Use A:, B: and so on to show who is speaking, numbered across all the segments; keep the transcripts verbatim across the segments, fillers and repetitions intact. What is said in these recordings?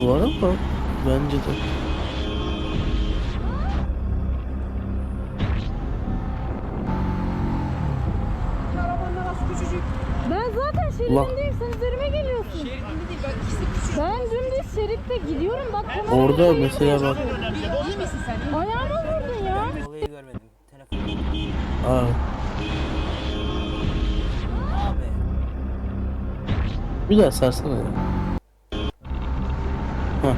A: var ama bence de.
B: Arabanla nasıl küçücük?
C: Ben zaten
A: Allah.
C: şeridindeyim, sen üzerime geliyorsun.
B: Şeridinde değil, ben ikisi küçük.
C: Ben dümdüz şeritte gidiyorum, bak kamera
A: Orada
C: kayıt
A: mesela bak.
C: yapıyor.
B: İyi misin sen? İyi.
C: Ayağıma vurdun ya.
D: Olayı görmedim. Telefon.
A: Aa,
D: Abi.
A: bir daha sarsana ya. Hah.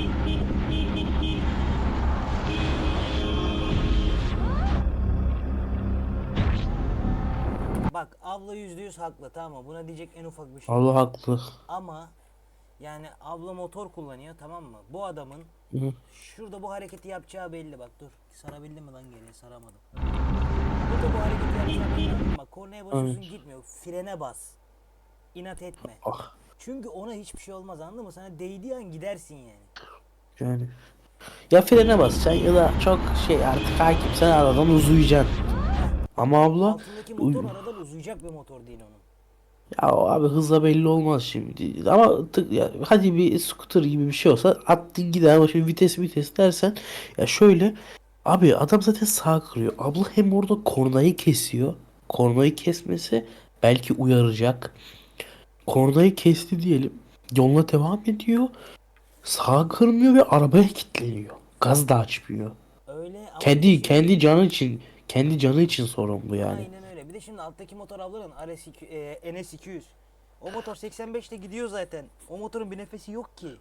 D: Bak abla yüzde yüz haklı, tamam mı? Buna diyecek en ufak bir şey
A: Allah
D: yok.
A: haklı.
D: Ama yani abla motor kullanıyor, tamam mı? Bu adamın
A: Hı.
D: şurada bu hareketi yapacağı belli, bak dur. Sarabildim mi lan geriye? Saramadım. Burada bu hareketi yapacağı belli. Bak kornaya basıyorsun, gitmiyor. Frene bas. İnat etme.
A: Ah,
D: Çünkü ona hiçbir şey olmaz, anladın mı? Sana değdiği an gidersin yani.
A: yani. Ya frene basacaksın ya da çok şey artık hakimsen aradan uzayacaksın. Ama abla
D: Altındaki motor aradan uzayacak bir motor değil onun.
A: ya o abi hızla belli olmaz şimdi. Ama tık, ya, hadi bir scooter gibi bir şey olsa attın gider ama şimdi vites vites dersen ya şöyle abi adam zaten sağ kırıyor. Abla hem orada kornayı kesiyor. Kornayı kesmesi belki uyaracak. Kornayı kesti diyelim. Yoluna devam ediyor. Sağa kırmıyor ve arabaya kilitleniyor. Gaz da açmıyor.
D: Öyle ama bir de
A: Kendi
D: şimdi-
A: kendi canı için kendi canı için sorumlu yani.
D: Aynen öyle. Bir de şimdi alttaki motor ablanın R S iki, e, N S iki yüz. O motor seksen beşte gidiyor zaten. O motorun bir nefesi yok ki.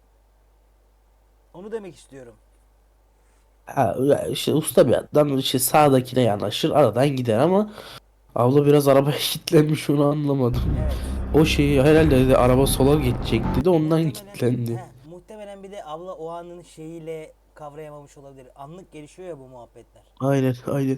D: Onu demek istiyorum.
A: Ha, ya işte usta bir adam işte sağdakine yanaşır aradan gider ama abla biraz arabaya kilitlenmiş onu anlamadım.
D: Evet.
A: O şeyi herhalde dedi araba sola geçecekti de ondan
D: Muhtemelen-
A: kilitlendi.
D: heh, muhtemelen bir de abla o anın şeyiyle kavrayamamış olabilir. Anlık gelişiyor ya bu muhabbetler.
A: Aynen aynen.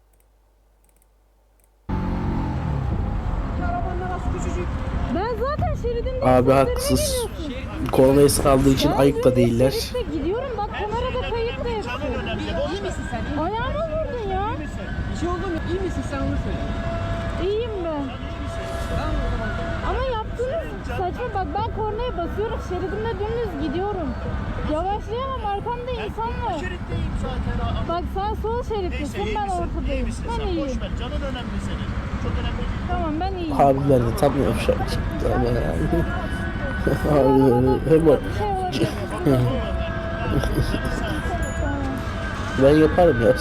B: Arabanla nasıl küçücük?
C: Ben zaten şeridindeyim,
A: Abi
C: sen üzerime
A: haksız.
C: geliyorsun.
B: Şeridinde
A: Kornayı saldığı için
C: Ben
A: ayıp da
C: dümdüz
A: değiller.
C: şeritte gidiyorum, bak kamerada kayıt da yapıyor.
B: İyi misin sen? İyi.
C: Ayağıma vurdun ya.
B: Bir şey oldu mu? İyi misin sen, onu söyle.
C: İyiyim ben.
B: Tamam o zaman.
C: Ama yaptığınız saçma, bak ben kornaya basıyorum, şeridimde dümdüz gidiyorum. Yavaşlayamam, arkamda insan var.
E: Şeritteyim zaten. Aa,
C: Bak sen sol
E: Neyse
C: şerittesin,
E: iyi
C: ben
E: misin? İyi
C: ortadayım.
E: misin
C: Ben
E: sen?
C: iyiyim.
E: Boş ver. Canın önemli senin. Çok önemli değil.
C: Tamam, ben iyiyim.
A: Abiler de tam yavşak çıktı ama yani. Abiler hemen
C: Bir şey olabilir. Tamam.
A: ben yaparım ya.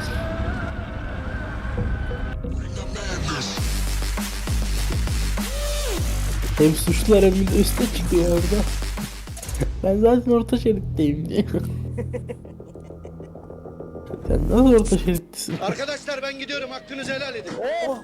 A: Hem suçlular hem de üste çıkıyor orada. Ben zaten orta şeritteyim diye. Sen nasıl orta şerittesin?
F: Arkadaşlar ben gidiyorum, hakkınızı helal edin.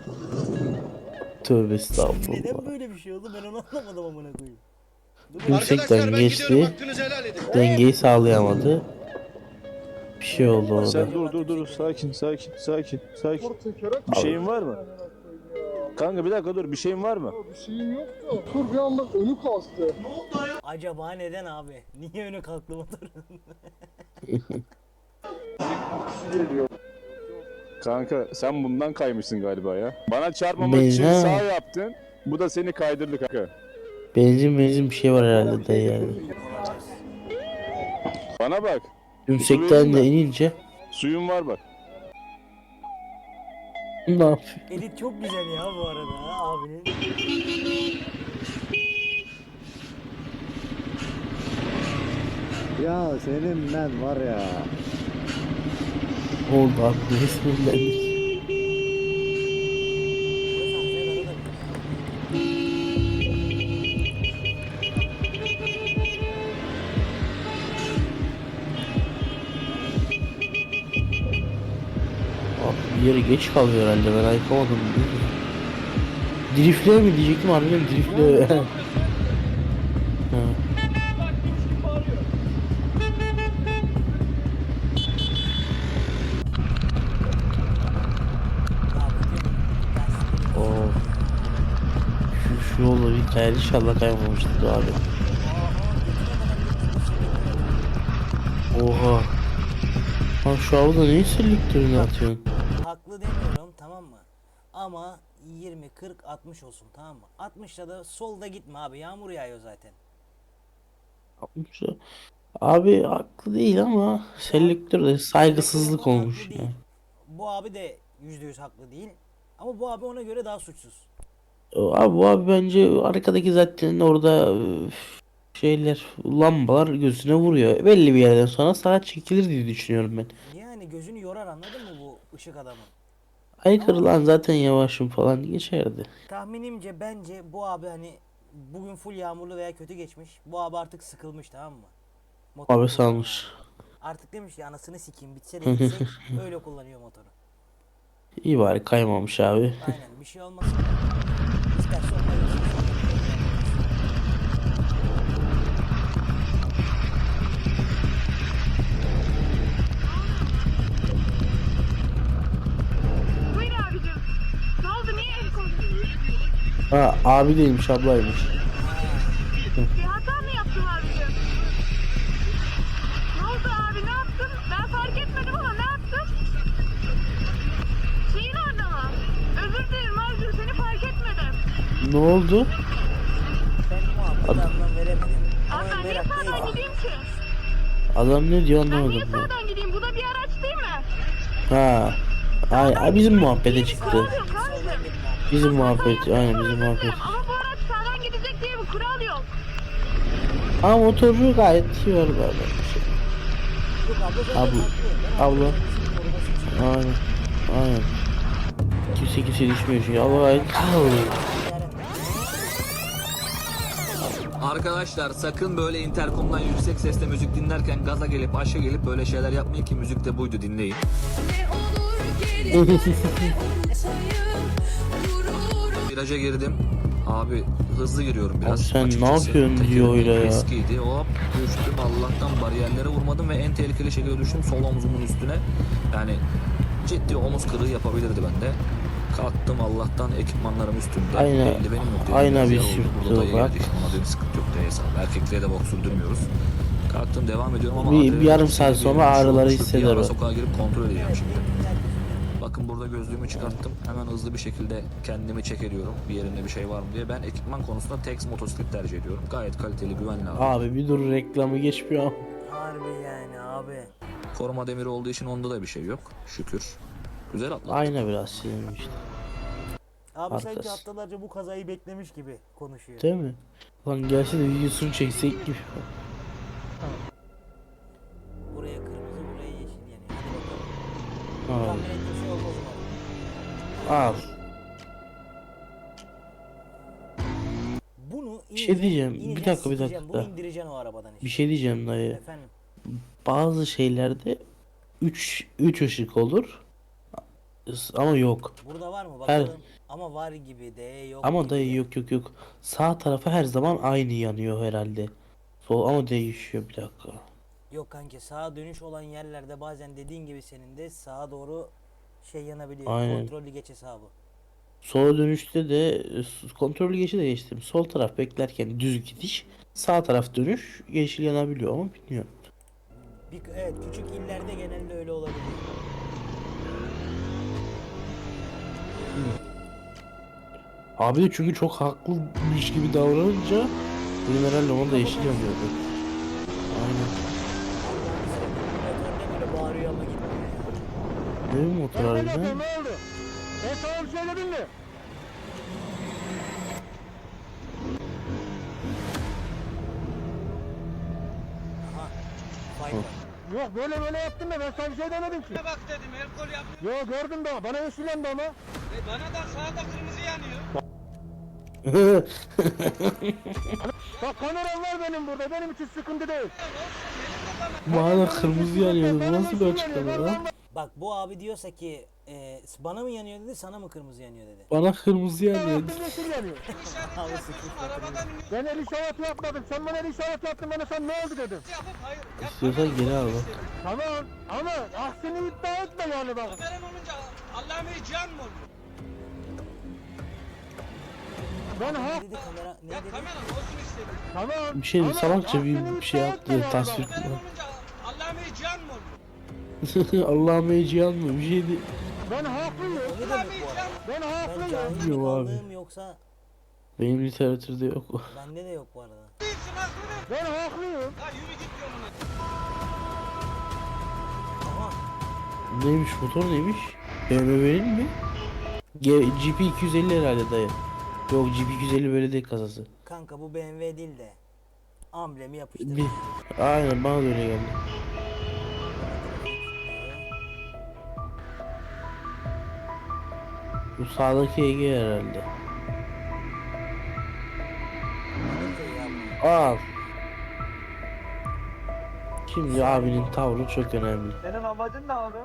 A: Tövbe estağfurullah.
D: Neden böyle bir şey oldu ben onu anlamadım amına koyayım.
A: Yüksekten
F: Arkadaşlar ben gidiyorum,
A: geçti.
F: hakkınızı helal edin.
A: Dengeyi sağlayamadı. Bir şey oldu orada.
G: Sen dur dur dur sakin sakin sakin sakin. Bir şeyin var mı? Kanka bir dakika dur bir şeyin var mı?
H: Bir şeyim yok da tur bir anda önü kastı.
D: Acaba neden abi? Niye önü kalktı motorun?
G: Kanka sen bundan kaymışsın galiba ya. Bana çarpmamak için
A: Beyza.
G: sağ yaptın. Bu da seni kaydırdı kanka.
A: Benzin benzin bir şey var herhalde de yani.
G: Bana bak.
A: Yüksekten de inince
G: Suyun var bak.
A: ne yapıyor?
D: Edit çok güzel ya bu arada ha, abinin.
I: Ya senin ben var ya.
A: Oldu abi ne sinirlendik. Abi bir yere geç kalıyor herhalde ben ayıkamadım. Driftle mi diyecektim harbiden driftle. Ha. Oo. Şu, şu yolda bir kayar inşallah kaymamıştır abi. Oha. Lan şu avda neyi selektörünü atıyorsun?
D: Haklı demiyorum, tamam mı? Ama yirmi, kırk, altmış olsun, tamam mı? altmışta da solda gitme abi, yağmur yağıyor zaten.
A: Yapmış o. Abi haklı değil ama selektörde saygısızlık
D: Haklı
A: olmuş
D: değil.
A: ya.
D: Bu abi de yüzde yüz haklı değil. Ama bu abi ona göre daha suçsuz.
A: Abi bu abi bence arkadaki zaten orada üf, şeyler lambalar gözüne vuruyor. Belli bir yerden sonra sağa çekilir diye düşünüyorum ben.
D: Yani gözünü yorar, anladın mı bu ışık adamın?
A: Aykırı lan zaten yavaşım falan geçerdi.
D: Tahminimce bence bu abi hani bugün full yağmurlu veya kötü geçmiş. Bu abi artık sıkılmış, tamam mı? Motor
A: Abi
D: kullanıyor
A: salmış.
D: abi. Artık demiş ki anasını sikeyim, bitse de gitsek, öyle kullanıyor motoru.
A: İyi bari kaymamış abi.
D: Aynen, bir şey olmasın. İsterse onunla gitsin.
C: Buyur abicim. Ne oldu? Niye el koydun?
A: Ha abi değilmiş ablaymış.
C: Bir hata mı yaptım abicim? Ne oldu abi? Ne yaptın? Ben fark etmedim ama ne yaptın? Şeyin orada mı? Özür dilerim abicim. Seni fark etmedim.
A: Ne oldu?
D: Ben muhabbet anlam veremedim. Ama
C: Abi ben niye
D: merak
C: sağdan
D: değilim.
C: gideyim ki?
A: Adam ne diyor
C: Ben niye
A: anlamadım ben.
C: sağdan gideyim? Bu da bir araç değil mi?
A: Ha. Ay, ay bizim muhabbete çıktı.
C: Yok abicim.
A: Bizim muhabbet aynen bizim muhabbet.
C: Ama bu araç sağdan gidecek diye bir kural yok.
A: Ama motoru gayet iyi var böyle.
D: Yok abla zaten
A: Abla-
D: haklı. Ben
A: abla.
D: ablamın koruması için
A: Aynen. Aynen. Kimse kimse düşmüyor çünkü. Allah gayet
J: Arkadaşlar sakın böyle interkomdan yüksek sesle müzik dinlerken gaza gelip aşağı gelip böyle şeyler yapmayın ki müzik de buydu, dinleyin. Viraja girdim. Abi hızlı giriyorum biraz.
A: Abi sen
J: Açıkçası
A: ne yapıyorsun
J: tekerim
A: diyor öyle ya.
J: Eskiydi. Hop düştüm. Allah'tan bariyerlere vurmadım ve en tehlikeli şekilde düştüm sol omzumun üstüne. Yani ciddi omuz kırığı yapabilirdi bende. Kalktım, Allah'tan ekipmanlarım üstümde.
A: Aynen.
J: Eldivenim yok. Dedim,
A: Aynen
J: biraz
A: bir
J: yer oldu.
A: sürttü
J: Burada dayı
A: bak.
J: geldi. Ona bir sıkıntı yok diye hesap. Erkekliğe de bok sürdürmüyoruz. Kalktım, devam ediyorum ama
A: Bir-
J: adrenalin
A: bir yarım
J: yükseğe
A: saat
J: gidiyor.
A: sonra
J: Şu
A: ağrıları
J: düşüp bir
A: hisseder
J: ara
A: o.
J: sokağa girip kontrol edeceğim şimdi. Bakın burada gözlüğümü çıkarttım. Hemen hızlı bir şekilde kendimi check ediyorum. Bir yerinde bir şey var mı diye. Ben ekipman konusunda Tex motosiklet tercih ediyorum. Gayet kaliteli, güvenli abi.
A: Abi bir dur reklamı geçmiyor.
D: harbi yani abi.
J: Koruma demiri olduğu için onda da bir şey yok. Şükür. Güzel atlattım.
A: Ayna biraz sinirmiş işte.
D: Abi sanki
A: Arkası.
D: haftalarca bu kazayı beklemiş gibi konuşuyor.
A: Değil mi? Lan gelse de videosunu çeksek gibi.
D: Buraya kırmızı, buraya yeşil yanıyor. Hadi bakalım.
A: Al.
D: Tahmin ettiğim şey olmaz umarım.
A: Al.
D: Bunu
A: Bir şey diyeceğim. Bir
D: ineceksin,
A: dakika, bir
D: sikeceksin.
A: dakika.
D: Bunu indireceksin o arabadan işte.
A: Bir şey diyeceğim dayı.
D: Efendim.
A: Bazı şeylerde üç üç ışık olur. Ama yok.
D: Burada var mı
A: Her-
D: bakalım. Ama var gibi de yok
A: Ama
D: gibi
A: dayı
D: de.
A: yok yok yok. Sağ tarafı her zaman aynı yanıyor herhalde. Sol ama değişiyor bir dakika.
D: Yok kanki, sağa dönüş olan yerlerde bazen dediğin gibi senin de sağa doğru şey yanabiliyor.
A: Aynen.
D: Kontrollü geç hesabı.
A: Sola dönüşte de e, kontrollü geçi de geçtim. Sol taraf beklerken düz gidiş. Sağ taraf dönüş yeşil yanabiliyor ama bilmiyorum.
D: Bir, evet, küçük illerde genelde öyle olabiliyor.
A: Abi de çünkü çok haklıymış gibi davranınca benim herhalde ona da yeşil yanıyordu. Aynen.
D: Motor ne böyle bağırıyor ama gitmiyor ya.
A: Değil mi motor harbiden?
H: Ne oldu? Ben sana bir şey dedim mi?
D: Aha. Fight var.
H: Yok böyle böyle yaptın da ben sana bir şey demedim ki.
B: Bak dedim el kol yap.
H: Yok gördüm daha bana yeşil yandı ama.
B: E bana da sağda kırmızı yanıyor.
H: Bak kameram var benim burada, benim için sıkıntı değil.
A: Bana da kırmızı yanıyordu. Bu nasıl bir açıklama lan?
D: Bak bu abi diyorsa ki e, bana mı yanıyor dedi, sana mı kırmızı yanıyor dedi.
A: Bana kırmızı yanıyordu.
H: Benim yeşil yanıyor.
D: Abi sıkmış
B: Arabadan
H: Ben el işareti yapmadım, sen bana el işareti yaptın, bana sen ne oldu dedim.
B: yapıp hayır. Yap,
A: İstiyorsan geri al bak.
H: Tamam ama aksini iddia etme yani bak.
B: veren olunca Allah'ım can mı oluyor?
H: Ben
D: ne
H: hak...
D: dedi kamera ne
B: Ya
D: dedi?
B: kamera olsun istedim.
H: Tamam.
A: Bir şey
H: ama
A: salakça bir,
H: aksini
A: bir şey
H: iddia
A: yaptı
H: etme yani
A: tasvir.
H: bak.
B: Veren olunca Allah'ım can mı oluyor?
A: Allah'ım heyecan mı? Bir şeydi.
H: Ben haklıyım.
D: O ne demek bu arada?
H: Ben
D: Ben
H: haklıyım.
D: cahil mi
A: Bilmiyorum abi.
D: kaldığım yoksa
A: Benim literatürde yok.
D: bende de yok bu arada.
B: Değilsin haklı.
H: Ben haklıyım.
B: Ya yürü git yoluna.
D: Aha.
A: Neymiş motor neymiş? B M W'nin mi? G G P iki yüz elli herhalde dayı. Yok G P iki yüz elli böyle değil kasası.
D: Kanka bu B M W değil de amblemi yapıştır.
A: Bir, aynen bana da öyle geldi. Bu sağdaki Ege herhalde. Al. Şimdi abinin tavrı çok önemli.
H: Senin amacın ne abi?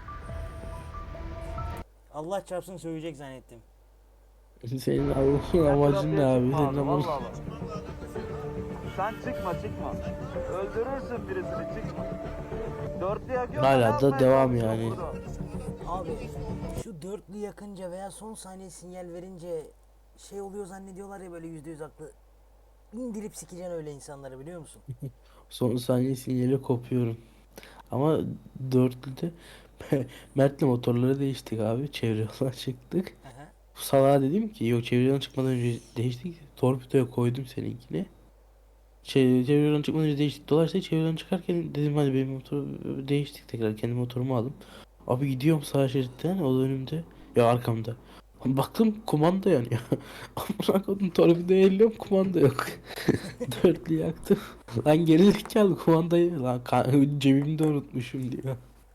D: Allah çarpsın söyleyecek zannettim.
A: Senin Allah'ın amacın ne abi? Senin amacın...
H: Vallahi bak. Sen çıkma çıkma. Öldürürsün birisini çıkma. Dörtlü yakıyor.
A: Hala da devam yani.
D: Abi şu dörtlü yakınca veya son saniye sinyal verince şey oluyor zannediyorlar ya böyle yüzde yüz haklı. İndirip sikeceksin öyle insanları biliyor musun?
A: Son saniye sinyali kopuyorum. Ama dörtlüde Mert'le motorları değiştik abi. Çevre yoldan çıktık.
D: Aha.
A: Salağa dedim ki yok çevre yoldan çıkmadan önce değiştik. Torpidoya koydum seninkini. Şey, çevre yoldan çıkmadan önce değiştik. Dolayısıyla çevre yoldan çıkarken dedim hadi benim motoru değiştik tekrar. Kendi motorumu aldım. Abi gidiyorum sağ şeritten o da önümde. Ya arkamda. Baktım kumanda yanıyor. Amına koydum torpidoya elliyorum kumanda yok. Dörtlü yaktım. Lan gerizekalı kumandayı lan ka- cebimde unutmuşum diyor.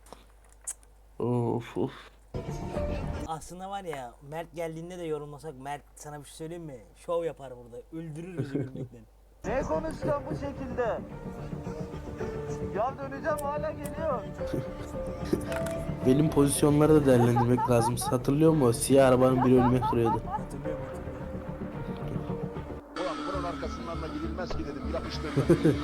A: Of of.
D: Aslında var ya Mert geldiğinde de yorulmasak Mert sana bir şey söyleyeyim mi? Şov yapar burada. Öldürür bizi gülmekten.
H: Ne konuşacağım bu şekilde? Ya döneceğim hala geliyor.
A: Benim pozisyonları da değerlendirmek lazım. Hatırlıyor musun? O siyah arabanın biri önüme kırıyordu.
D: Hatırlıyorum hatırlıyorum.
F: Ulan bunun arkasından da gidilmez ki dedim. Yapıştırdım.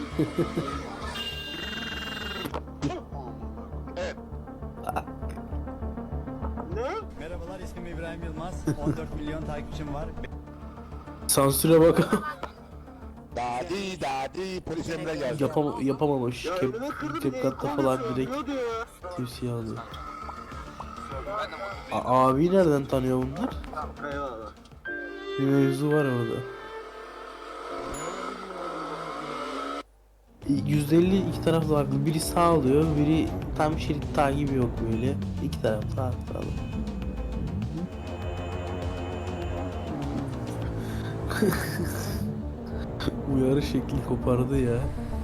K: Merhabalar, ismim İbrahim Yılmaz. on dört milyon takipçim var.
A: Sansüre bak.
F: Dadi dadi polis emre geldi.
A: Yapam yapamamış. Kep Kepkatta falan direkt tepsiye alıyor. A abi nereden tanıyor bunlar? Bir mevzu var orada. yüzde elli iki taraf da haklı. Biri sağ alıyor, biri tam şerit takibi yok böyle. İki taraf sağ sağ. Uyarı şekli kopardı ya.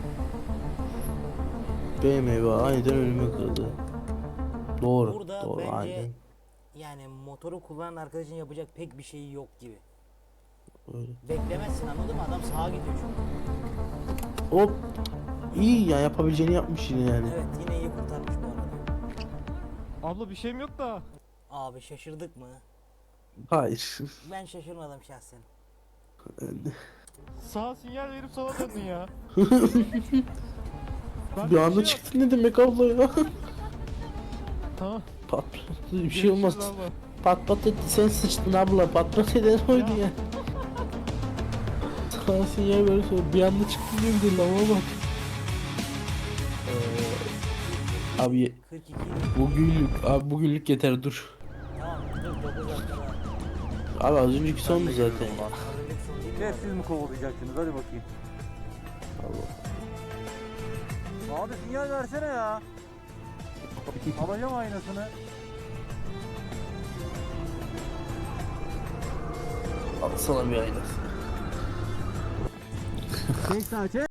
A: B M W aniden önüme kırdı. Doğru,
D: Burada
A: doğru
D: bence
A: aynen.
D: yani motoru kullanan arkadaşın yapacak pek bir şey yok gibi.
A: Öyle.
D: Beklemezsin anladın mı? Adam sağa gidiyor çünkü.
A: Hop. İyi ya yapabileceğini yapmış yine yani.
D: Evet yine iyi kurtarmış bu arada.
H: Abla bir şeyim yok da.
D: Abi şaşırdık mı?
A: Hayır.
D: Ben şaşırmadım şahsen.
H: Sağa sinyal verip sola döndün ya.
A: Bir anda çıktı ne demek abla ya?
H: Tamam.
A: Patladı bir şey olmaz.
H: Görüşürüz abla.
A: Pat pat etti sen sıçtın abla patlat eden oydu ya. Sana sinyal böyle sonra bir anda çıktı diye bir de lava bak. Ee, abi
D: kırk iki.
A: bugünlük abi bugünlük yeter dur.
D: Tamam dur dokuz dakika var.
A: Abi az önceki sondu zaten.
D: Hazırlık son değil mi?
H: Ne siz mi kovalayacaksınız hadi bakayım. Abi sinyal versene ya. Alacağım aynasını.
A: Al sana bir aynası.
H: Çek sağa çek.